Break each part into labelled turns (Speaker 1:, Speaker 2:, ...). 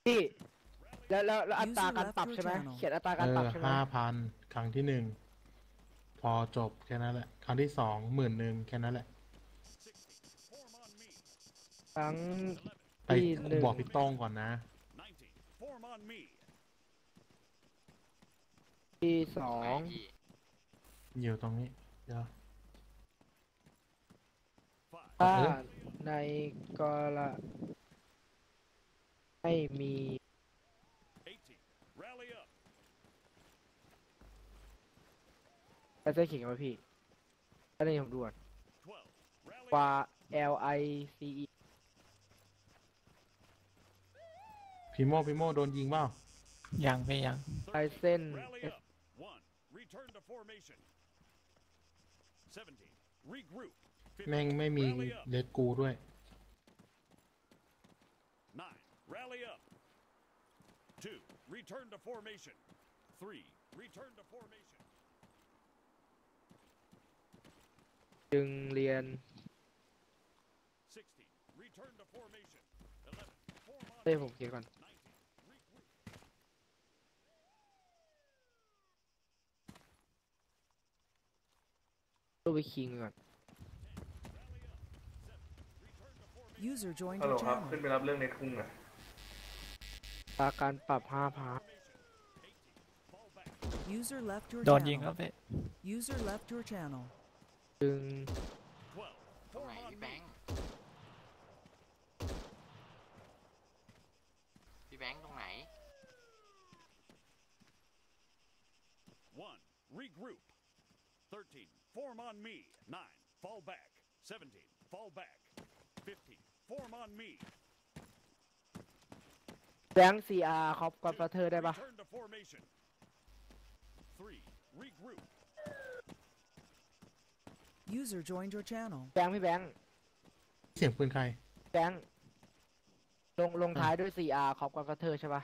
Speaker 1: พี่แล้วอัตราการปรับใช่ไหมเขียนอัตราการปรับใช่ไหม
Speaker 2: 5,000ครั้งที่1พอจบแค่นั้นแหละครั้งที่21,000แค่นั้นแหละ
Speaker 1: ครั้ง
Speaker 2: ไป
Speaker 1: ที่หนึ่ง
Speaker 2: บอกพี่ต้องก่อนนะ
Speaker 1: ที่สอ
Speaker 3: ไหน
Speaker 1: ง
Speaker 3: พี่
Speaker 2: อยู่ตรงนี้เดี๋ยว
Speaker 1: ถ้าในกรณีไม่มีไปเส้นเขียนมาพี่อันนี้ผมด่วนว่า LICE
Speaker 2: พี่โมโดนยิงเปล่า
Speaker 4: ยังไม่ยัง
Speaker 1: ลายเส้น
Speaker 2: แม่งไม่มีเลดกูด้วย
Speaker 1: จึงเรียนเฮ้ยผมเขียนก่อนตัวไปคิงก่อน
Speaker 5: User joined
Speaker 6: ฮัลโหล
Speaker 5: your
Speaker 6: ครับ
Speaker 5: channel.
Speaker 6: ขึ้นไปรับเรื่องในทุ่งอ่ะ
Speaker 1: อัตราการปรับ5,000
Speaker 5: User left your
Speaker 4: โดนยิง
Speaker 5: channel.
Speaker 4: แล้วพี่
Speaker 5: User left your channel.
Speaker 1: จึง
Speaker 3: ตรงไหนพี่แบงค์พี่แบงค์ตรงไหน
Speaker 1: แบงค์ CR ครอบกับเธอได้ปะ
Speaker 5: User joined your channel.
Speaker 1: แบงค์พี่แบงค์
Speaker 2: เสียงปืนใคร
Speaker 1: แบงค์ลงท้ายด้วย CR ครอบกับเธอใช่ปะ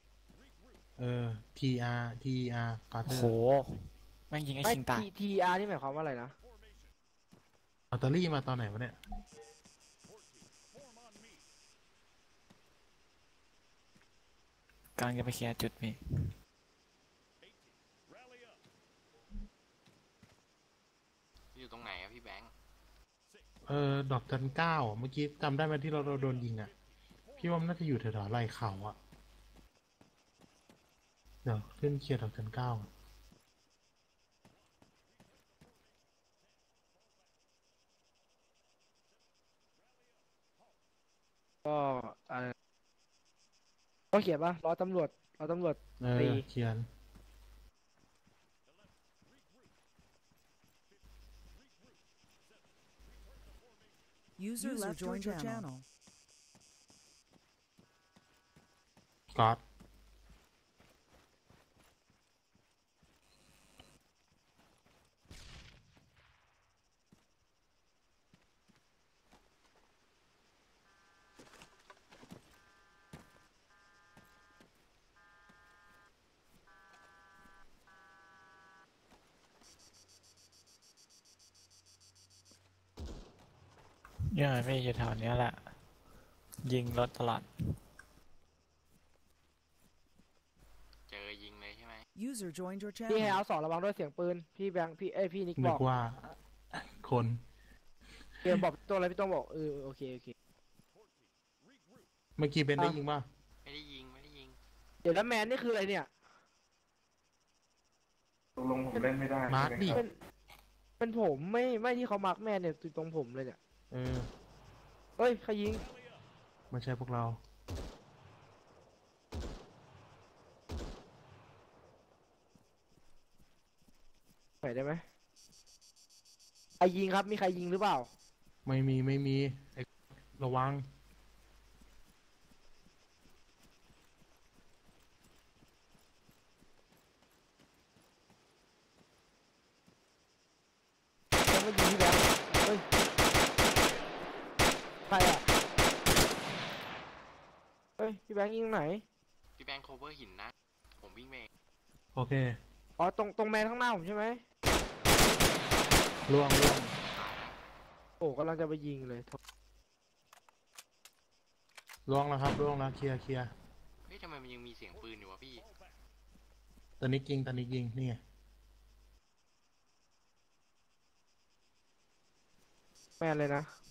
Speaker 2: TR กาเต
Speaker 4: โอ้
Speaker 2: อ
Speaker 4: โห
Speaker 2: ร์
Speaker 4: แม่งยิงไอ้
Speaker 1: ไม่
Speaker 4: ชิงตาย
Speaker 1: TR นี่หมายความว่าอะไรนะ
Speaker 2: อัลเตอรี่มาตอนไหนวะเนี่ย
Speaker 4: กำลังจะไปเคลียร์จุดพี่
Speaker 3: อยู่ตรงไหนอะพี่แบงค์
Speaker 2: ดอกจันเก้าเมื่อกี้จำได้ไหมที่เราโดนยิงอ่ะพี่ว่ามันน่าจะอยู่แถวๆไหล่เขาอ่ะเดี๋ยวขึ้นเคลียร์ดอกจันเก้า
Speaker 1: ก็อะไรต้องเขียนปะรอตำรวจตี
Speaker 2: เขียน
Speaker 5: User left your channel.
Speaker 2: ก๊อต
Speaker 4: ยังไงไม่อยู่แถวเนี้ยแหละ ยิงรถตลอด
Speaker 3: เจอยิงเลยใช่ไหม
Speaker 5: User joined your
Speaker 1: พี่ให้
Speaker 5: channel.
Speaker 1: เอา2ระวังด้วยเสียงปืนพี่แบงค์พี่นิก
Speaker 2: นึ
Speaker 1: บอก
Speaker 2: กว่าคน
Speaker 1: เกมบอกตัวอะไรพี่ต้องบอกโอเค
Speaker 2: เมื่อกี้เบนได้ยิงป่ะ
Speaker 3: ไม่ได้ยิงไม่ได้ยิง
Speaker 1: เดี๋ยวแล้วแมนนี่คืออะไรเนี่ย
Speaker 6: ตกลงผมเล่นไม่ได้
Speaker 2: มาร์คดิ
Speaker 6: ใช่ไหมครับ
Speaker 1: เป็นผมไม่ที่เขามาร์กแมนเนี่ยอยู่ตรงผมเลยเนี่ย เฮ้ยใครยิง
Speaker 2: ไม่ใช่พวกเรา
Speaker 1: ไหนได้ไหมใครยิงครับมีใครยิงหรือเปล่า
Speaker 2: ไม่มีระวัง
Speaker 1: ยังไม่ยิงพี่แบงค์เฮ้ยใครอ่ะเฮ้ยพี่แบงค์ยิงตรงไหน
Speaker 3: พี่แบงค์โคเวอร์หินนะผมวิ่งไปเอง
Speaker 2: โอเค
Speaker 1: อ๋อตรงแมนข้างหน้าผมใช่ไหม
Speaker 2: ล่วง
Speaker 1: โอ้กำลังจะไปยิงเลย
Speaker 2: ล่วงแล้วครับล่วงแล้วเคลียร์
Speaker 3: เฮ้ยำไมมันยังมีเสียงปืนอยู่วะพี่
Speaker 2: ตอนนี้ยิงนี่ไง
Speaker 1: แมนเลยนะ